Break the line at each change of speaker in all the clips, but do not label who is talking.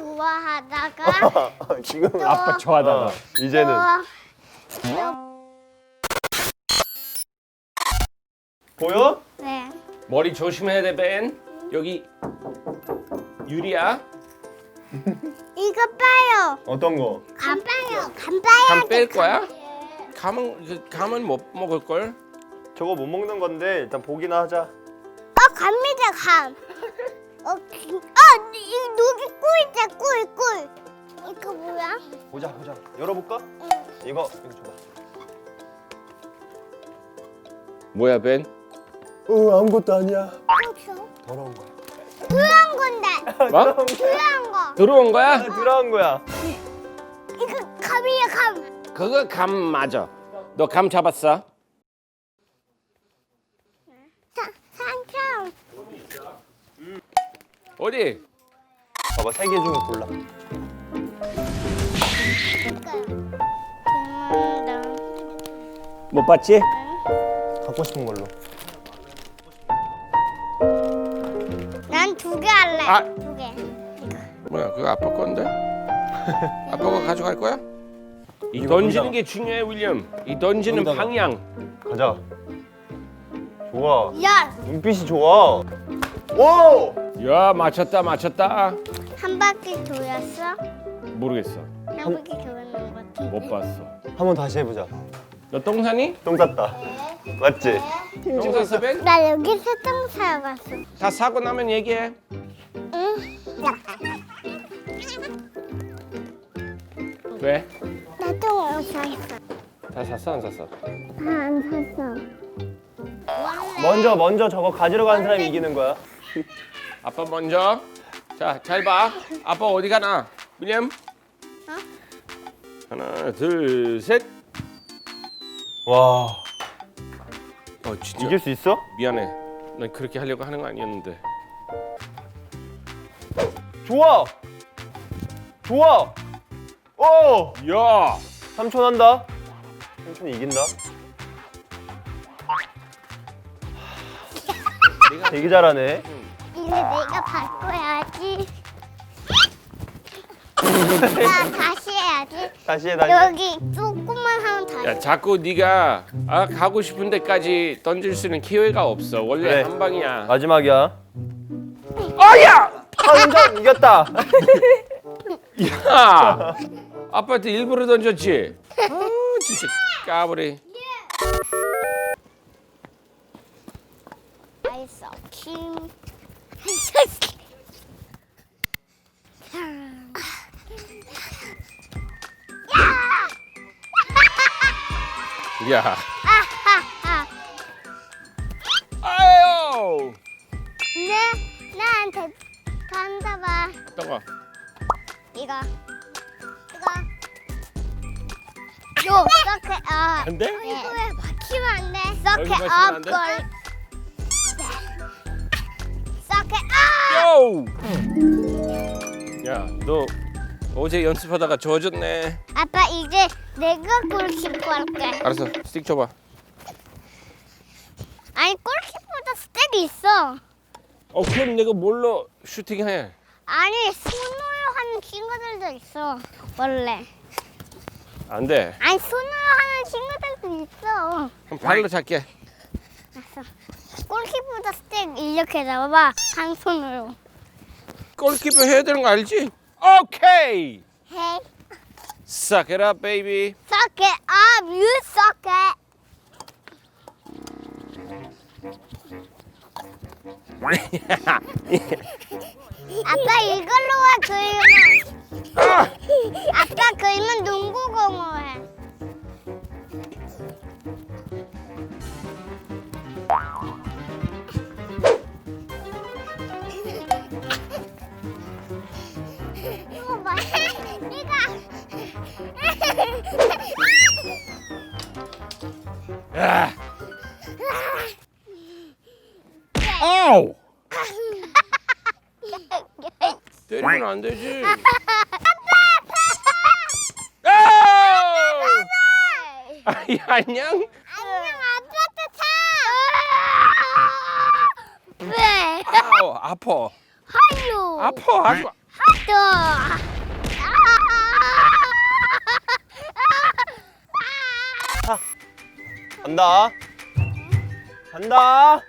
좋아하다가
지금
또
아빠 좋아하다가.
이제는 보여?
네.
머리 조심해야 돼, 벤. 여기 유리야.
이거 봐요.
어떤 거?
감 봐요. 감 봐요.
감 뺄 거야? 감은 못 먹을 걸.
저거 못 먹는 건데 일단 보기나 하자.
갑니다 감. 여기 꿀 있다 꿀. 이거 뭐야?
보자. 열어볼까? 이거 줘봐.
뭐야, 벤?
아무것도 아니야.
줘.
더러운 거야.
들어온 건데.
뭐?
들어온 거.
들어온 거야?
들어간 거야.
이거 감이야 감.
그거 감 맞아. 너 감 잡았어?
삼촌.
어디?
봐봐, 3개 중에 골라.
못 봤지?
갖고 싶은 걸로.
난 2개 할래.
아.
2개.
뭐야, 그거 아빠 건데? 아빠가 가져갈 거야? 이
이거
던지는
거기다가.
게 중요해, 윌리엄. 이 던지는
거기다가.
방향.
가자. 좋아.
열.
눈빛이 좋아. 오!
야, 맞췄다.
한 바퀴 돌았어?
모르겠어.
한 바퀴 돌았는 것 같아.
못 봤어.
한번 다시 해보자.
너 똥 사니?
똥 쌌다. 맞지?
똥 샀어, 벤?
나 여기서 똥 사봤어.
다 사고 나면 얘기해.
응?
왜?
나 똥 샀어.
다 샀어, 안 샀어?
안 샀어.
먼저 저거 가지러 가는 사람이 이기는 거야.
아빠 먼저. 자, 잘 봐. 아빠 어디 가나? 윌리엄? 하나, 둘, 셋.
와,
진짜
이길 수 있어?
미안해. 난 그렇게 하려고 하는 거 아니었는데.
좋아. 오!
야!
삼촌 한다. 삼촌이 이긴다. 되게 잘하네.
이제 내가 바꿔야지. 나 다시 해야지.
다시 해.
여기 조금만 하면 다시.
야, 자꾸 네가 가고 싶은 데까지 던질 수 있는 기회가 없어. 원래
그래.
한 방이야.
마지막이야.
야!
삼촌 이겼다.
야! 아빠한테 일부러 던졌지? 진짜 까불이.
아이스크림.
야! 아유!
나한테 간다봐.
어떤 거?
이거. 요, 서클 업.
안 돼?
이거에 맞히면 안 돼.
여기
서클
맞추면 안
업
돼?
걸. 서클 업.
요! 야, 너 어제 연습하다가 젖었네.
아빠 이제 내가 골키퍼 할게.
알았어, 스틱 줘봐.
아니 골키퍼도 스텝이 있어.
그럼 내가 뭘로 슈팅해?
아니 손으로 하는 친구들도 있어. 원래.
안 돼.
아니 손으로 하는 친구들도 있어.
그럼 발로 잡게.
알았어. 골키퍼도 스텝 이렇게 잡아봐. 한 손으로.
골키퍼 해야 되는 거 알지? 오케이.
Hey,
Suck it up, baby.
suck it up. You suck it. 아빠 이걸로 와 그리면. 아빠 그리면 농구공으로 해. 이거 봐.
야. 아우. 때리면 안 되지. 아우! 아이, 안녕.
안녕 아빠도 차. 왜?
아우, 아파.
하요.
아파. 아주.
또.
간다. 간다.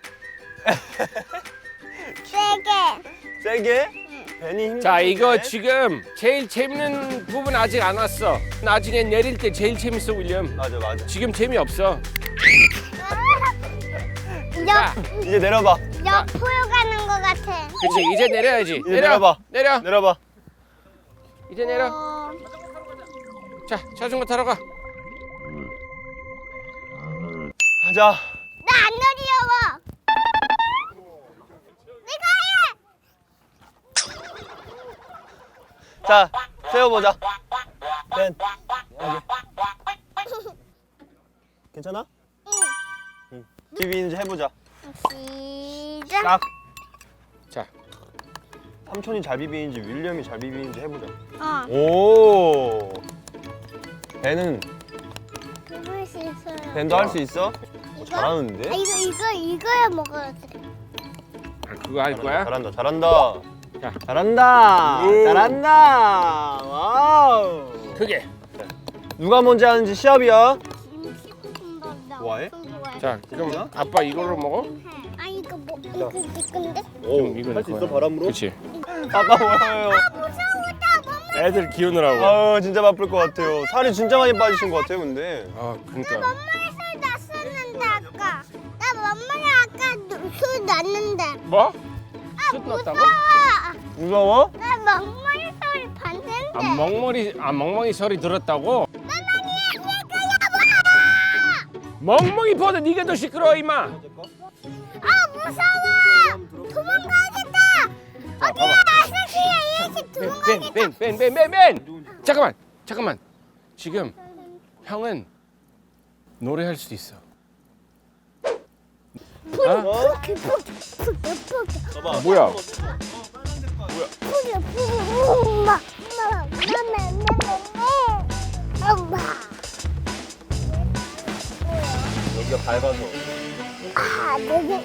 세게.
세게. 벤이 힘.
자, 이거 지금 제일 재밌는 부분 아직 안 왔어. 나중에 내릴 때 제일 재밌어, 윌리엄.
맞아 맞아.
지금 재미없어.
옆
이제 내려봐.
옆으로 가는 것 같아.
그치, 이제 내려야지.
이제 내려봐.
내려.
내려봐.
이제 내려. 자, 자전거 타러 가.
가자.
나 안 어려워. 내가
자, 세워보자. 벤. 여기. 괜찮아? 응. 비비는지 해보자.
해. 시작.
딱.
자,
삼촌이 잘 비비는지 윌리엄이 잘 비비는지 해보자.
어.
오. 벤은
해볼 수 있어요.
벤도 할 수 있어?
이거?
잘하는데?
아, 이거야 먹어야지.
그거 할 거야?
잘한다. 잘한다.
자.
잘한다.
오.
잘한다. 와우.
크게.
누가 먼저 하는지 시합이야. 좋아해?
자, 그럼 아빠 이걸로 먹어?
아 이거 뭐 이거 네 건데?
오, 이거
할 수
내
있어
거야.
바람으로?
그치.
아빠 뭐예요?
무서웠다 몸을.
애들 키우느라고.
아 진짜 바쁠 것 같아요. 살이 진짜 많이 빠지신 것 같아요 근데.
아, 그러니까.
엄마의 소리 났었는데 아까. 나 엄마의 아까 소리 났는데.
뭐?
아
숯 났다고?
무서워.
무서워?
나 엄마의 소리 봤는데.
멍멍이 소리 들었다고? 멍멍이 보다 네가 더 시끄러워, 임마.
아 무서워. 도망가야겠다.
자, 봐봐.
아저씨야 얘씩 도망가야겠다.
벤. 잠깐만. 지금 형은 노래할 수도 있어.
어?
아, 뭐야?
엄마.
여기가 밟아서.
아, 내가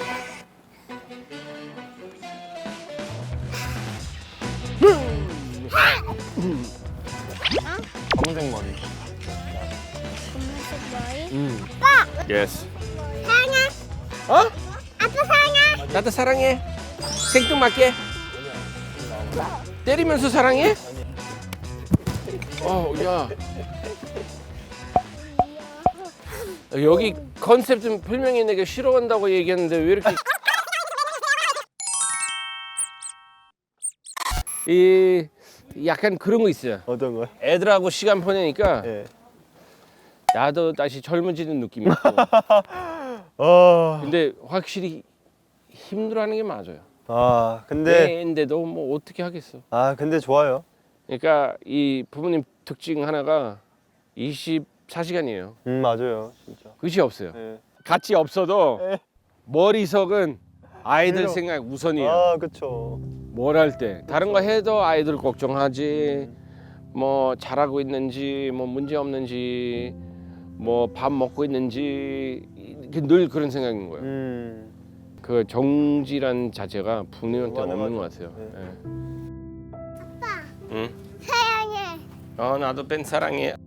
검은색 머리.
검은색 머리.
예스.
사랑해.
어?
아빠 사랑해.
나도 사랑해. 생뚱맞게. 때리면서 사랑해? 야. 여기 컨셉 좀 분명히 내가 싫어한다고 얘기했는데 왜 이렇게 이 약간 그런 거 있어요.
어떤 거야?
애들하고 시간 보내니까
예.
나도 다시 젊어지는 느낌이 있고. 근데 확실히 힘들어하는 게 맞아요.
아 근데
애인데도 뭐 어떻게 하겠어.
근데 좋아요.
그러니까 이 부모님 특징 하나가 24시간이에요.
맞아요 진짜.
끝이 없어요.
예.
같이 없어도
예.
머릿속은 아이들
그래요.
생각 우선이에요.
아 그쵸.
뭘 할 때 다른 거 해도 아이들 걱정하지. 뭐 잘하고 있는지 뭐 문제 없는지 뭐 밥 먹고 있는지 늘 그런 생각인 거예요. 그 정지란 자체가 부모님한테
맞아,
없는
맞아.
것 같아요.
네.
예.
아빠
응?
사랑해.
나도 벤 사랑해.